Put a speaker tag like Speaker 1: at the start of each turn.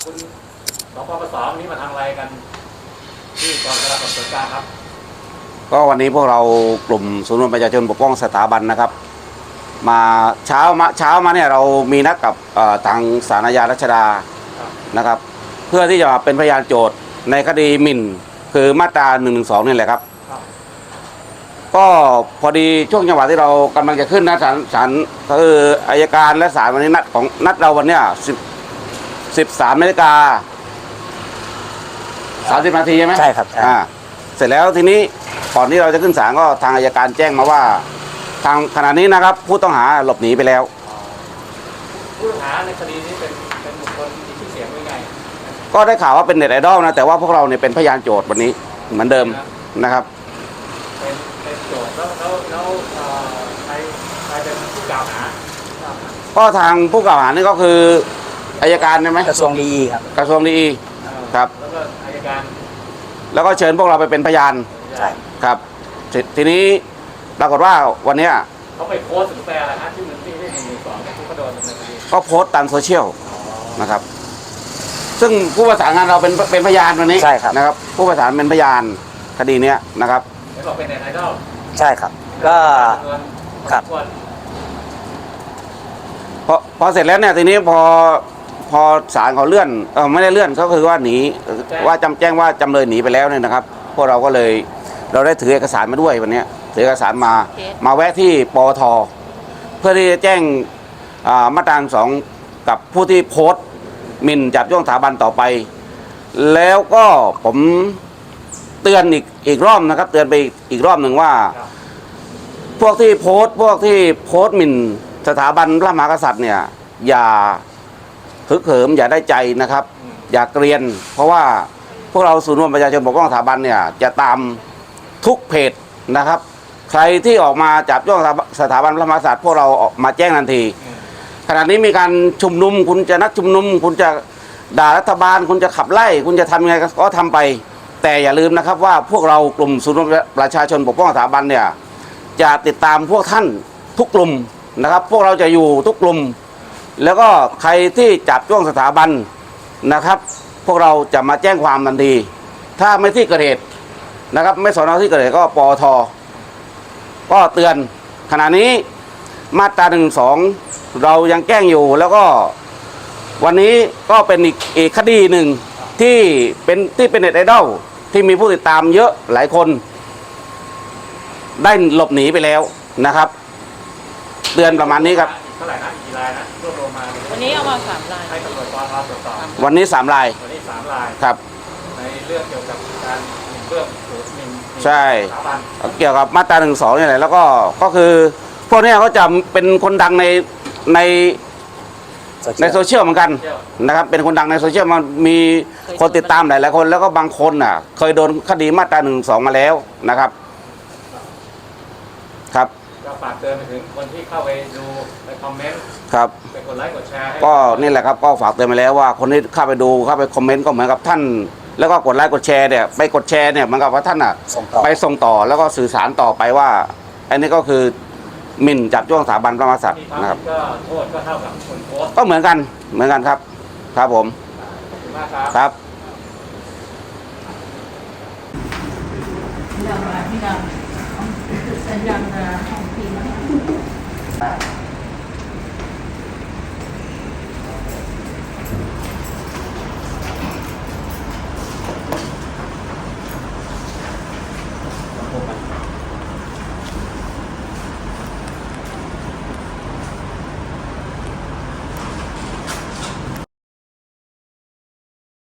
Speaker 1: คุณสปปสนี้มาทำอะไรกันที่กองกำลังสอบสวนกลางครับ
Speaker 2: ก็วันนี้พวกเรากลุ่มศูนย์รวมประชาชนปกป้องสถาบันนะครับมาเช้ามาเนี่ยเรามีนัดกับทางศาลอาญารัชดานะครับเพื่อที่จะเป็นพยานโจทย์ในคดีหมิ่นคือมาตรา112นี่แหละครับก็พอดีช่วงจังหวะที่เรากำลังจะขึ้นนะศาลคืออัยการและศาลวันนี้นัดเราวันเนี้ย13 นาฬิกา 30 นาทีใช่ไหม
Speaker 3: ใช่ครับ
Speaker 2: เสร็จแล้วทีนี้ก่อนที่เราจะขึ้นศาลก็ทางอัยการแจ้งมาว่าทางขณะนี้นะครับผู้ต้องหาหลบหนีไปแล้ว
Speaker 1: ผู้ต้องหาในคดีนี้เป็นบุคคลมีชื่อเสียงยังไง
Speaker 2: ก็ได้ข่าวว่าเป็นเน็ตไอดอลนะแต่ว่าพวกเราเนี่ยเป็นพยานโจทย์วันนี้เหมือนเดิมนะครับ
Speaker 1: เป็นโจทย์แล้วใครเป็นผู้กล่าวหา
Speaker 2: ก็ทางผู้กล่าวหานี่ก็คืออัยการใช่ไหม
Speaker 3: กระทรวงดีครับ
Speaker 2: กระทรวงดีครับ
Speaker 1: แล้วก็อัยการ
Speaker 2: แล้วก็เชิญพวกเราไปเป็นพยาน
Speaker 3: ใช่
Speaker 2: ครับทีนี้ปรากฏว่าวันนี้
Speaker 1: เขาไปโพสต์หรือแปลอะไรนะที่มันที่112ที่เขาโดนในคดี
Speaker 2: ก็โพสต์ตามโซเชียลนะครับซึ่งผู้ประสานงานเราเป็นพยานวันนี้
Speaker 3: ใช่ครับ
Speaker 2: นะครับผู้ประสานเป็นพยานคดีนี้นะครับ
Speaker 1: ไม่บอกเป็นเน็ตไอดอล
Speaker 3: ใช่ครับก็ครับ
Speaker 2: พอเสร็จแล้วเนี่ยทีนี้พอศาลเขาเลื่อนไม่ได้เลื่อนก็คือว่าหนีว่าแจ้งว่าจำเลยหนีไปแล้วเนี่ยนะครับพวกเราก็เลยเราได้ถือเอกสารมาด้วยวันนี้ถือเอกสารมาแวะที่ปอทเพื่อที่จะแจ้งมาตรา2กับผู้ที่โพสต์หมิ่นจับจ้วงสถาบันต่อไปแล้วก็ผมเตือนอีกรอบนะครับเตือนไปอีกรอบหนึ่งว่าพวกที่โพสต์หมิ่นสถาบันพระมหากษัตริย์เนี่ยอย่าฮึกเหิมอย่าได้ใจนะครับอย่าเกรียนเพราะว่าพวกเราศูนย์รวมประชาชนปกป้องสถาบันเนี่ยจะตามทุกเพจนะครับใครที่ออกมาจับจ้วงสถาบันพระมหากษัตริย์พวกเราออกมาแจ้งทันทีขณะนี้มีการชุมนุมคุณจะนัดชุมนุมคุณจะด่ารัฐบาลคุณจะขับไล่คุณจะทำยังไงก็ทำไปแต่อย่าลืมนะครับว่าพวกเรากลุ่มศูนย์รวมประชาชนปกป้องสถาบันเนี่ยจะติดตามพวกท่านทุกกลุ่มนะครับพวกเราจะอยู่ทุกกลุ่มแล้วก็ใครที่จับจ้วงสถาบันนะครับพวกเราจะมาแจ้งความทันทีถ้าไม่ที่เกิดเหตุนะครับไม่สอนอที่เกิดเหตุก็ปอทก็เตือนขณะนี้มาตรา112เรายังแจ้งอยู่แล้วก็วันนี้ก็เป็นอีกคดีหนึ่งที่เป็นเน็ตไอดอลที่มีผู้ติดตามเยอะหลายคนได้หลบหนีไปแล้วนะครับเตือนประมาณนี้ครับ
Speaker 1: เท่าไหร่นะกี่รายนะรวบรวมมา
Speaker 4: วันนี้เอามา3 ราย
Speaker 1: ให้ตำรวจปอทตรวจสอบ
Speaker 2: วันนี้3 ราย
Speaker 1: วันนี้3 ราย
Speaker 2: ครับ
Speaker 1: ในเรื่องเกี่ยวกับการหมิ่นเบื้องสูงหมิ่น
Speaker 2: ใช่
Speaker 1: สถาบัน
Speaker 2: เกี่ยวกับมาตรา112นี่แหละแล้วก็คือพวกนี้เขาจะเป็นคนดังในโซเชียลเหมือนกันนะครับเป็นคนดังในโซเชียลมันมีคนติดตามหลายคนแล้วก็บางคนน่ะเคยโดนคดีมาตรา112มาแล้วนะครับครับ
Speaker 1: ก็ฝากเตือนไปถึงคนที่เข้าไปดูไปคอมเมนต์
Speaker 2: ครับ
Speaker 1: ไปกดไลค์กดแชร์
Speaker 2: ก็นี่แหละครับก็ฝากเตือนไปแล้วว่าคนที่เข้าไปดูเข้าไปคอมเมนต์ก็เหมือนกับท่านแล้วก็กดไลค์กดแชร์เนี่ยไปกดแชร์เนี่ยเหมือนกับว่าท่านอ่ะไปส่งต่อแล้วก็สื่อสารต่อไปว่าอันนี้ก็คือหมิ่นจับจ้วงสถาบันพระมหากษัตริย์นะครับ
Speaker 1: ก็โทษก็เท่ากับคนโพสต์
Speaker 2: ก็เหมือนกันครับครับผม
Speaker 1: ขอบคุณมากครับ
Speaker 2: ครับ
Speaker 4: ที่เราสัญญาณของทีม